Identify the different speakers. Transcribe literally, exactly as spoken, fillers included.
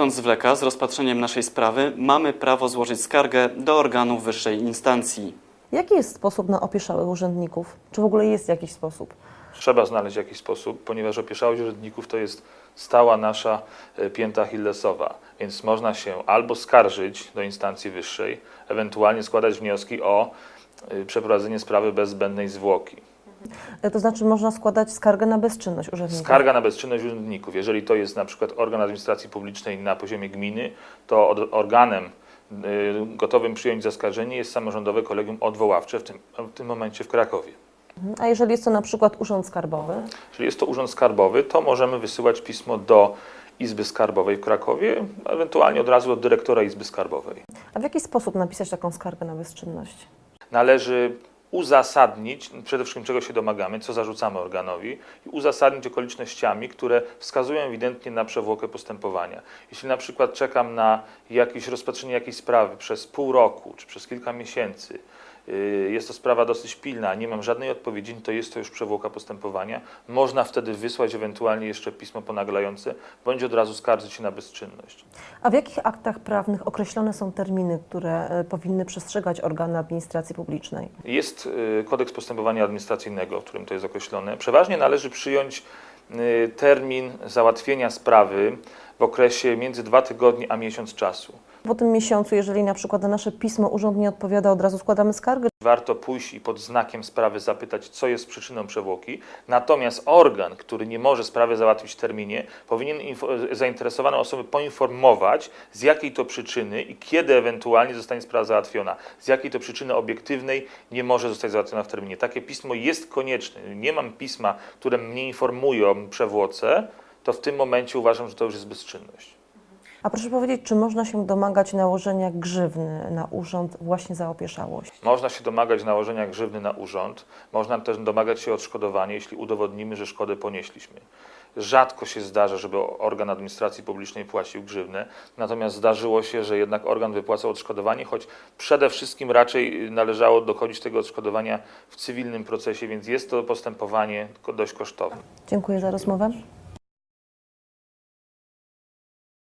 Speaker 1: zarząd zwleka z rozpatrzeniem naszej sprawy, mamy prawo złożyć skargę do organów wyższej instancji.
Speaker 2: Jaki jest sposób na opieszałych urzędników? Czy w ogóle jest jakiś sposób?
Speaker 3: Trzeba znaleźć jakiś sposób, ponieważ opieszałość urzędników to jest stała nasza pięta achillesowa, więc można się albo skarżyć do instancji wyższej, ewentualnie składać wnioski o przeprowadzenie sprawy bez zbędnej zwłoki.
Speaker 2: To znaczy można składać skargę na bezczynność urzędników?
Speaker 3: Skarga na bezczynność urzędników. Jeżeli to jest na przykład organ administracji publicznej na poziomie gminy, to organem gotowym przyjąć zaskarżenie jest samorządowe kolegium odwoławcze, w tym, w tym momencie w Krakowie.
Speaker 2: A jeżeli jest to na przykład urząd skarbowy?
Speaker 3: Jeżeli jest to urząd skarbowy, to możemy wysyłać pismo do Izby Skarbowej w Krakowie, ewentualnie od razu do dyrektora Izby Skarbowej.
Speaker 2: A w jaki sposób napisać taką skargę na bezczynność?
Speaker 3: Należy uzasadnić przede wszystkim, czego się domagamy, co zarzucamy organowi i uzasadnić okolicznościami, które wskazują ewidentnie na przewłokę postępowania. Jeśli na przykład czekam na jakieś rozpatrzenie jakiejś sprawy przez pół roku czy przez kilka miesięcy, jest to sprawa dosyć pilna, nie mam żadnej odpowiedzi, to jest to już przewłoka postępowania. Można wtedy wysłać ewentualnie jeszcze pismo ponaglające, bądź od razu skarżyć się na bezczynność.
Speaker 2: A w jakich aktach prawnych określone są terminy, które powinny przestrzegać organy administracji publicznej?
Speaker 3: Jest kodeks postępowania administracyjnego, w którym to jest określone. Przeważnie należy przyjąć termin załatwienia sprawy w okresie między dwa tygodnie a miesiąc czasu.
Speaker 2: Po tym miesiącu, jeżeli na przykład na nasze pismo urząd nie odpowiada, od razu składamy skargę?
Speaker 3: Warto pójść i pod znakiem sprawy zapytać, co jest przyczyną przewłoki. Natomiast organ, który nie może sprawy załatwić w terminie, powinien zainteresowane osoby poinformować, z jakiej to przyczyny i kiedy ewentualnie zostanie sprawa załatwiona. Z jakiej to przyczyny obiektywnej nie może zostać załatwiona w terminie. Takie pismo jest konieczne. Nie mam pisma, które mnie informuje o przewłoce, to w tym momencie uważam, że to już jest bezczynność.
Speaker 2: A proszę powiedzieć, czy można się domagać nałożenia grzywny na urząd właśnie za opieszałość?
Speaker 3: Można się domagać nałożenia grzywny na urząd, można też domagać się odszkodowania, jeśli udowodnimy, że szkodę ponieśliśmy. Rzadko się zdarza, żeby organ administracji publicznej płacił grzywnę, natomiast zdarzyło się, że jednak organ wypłacał odszkodowanie, choć przede wszystkim raczej należało dochodzić tego odszkodowania w cywilnym procesie, więc jest to postępowanie dość kosztowne.
Speaker 2: Dziękuję za rozmowę.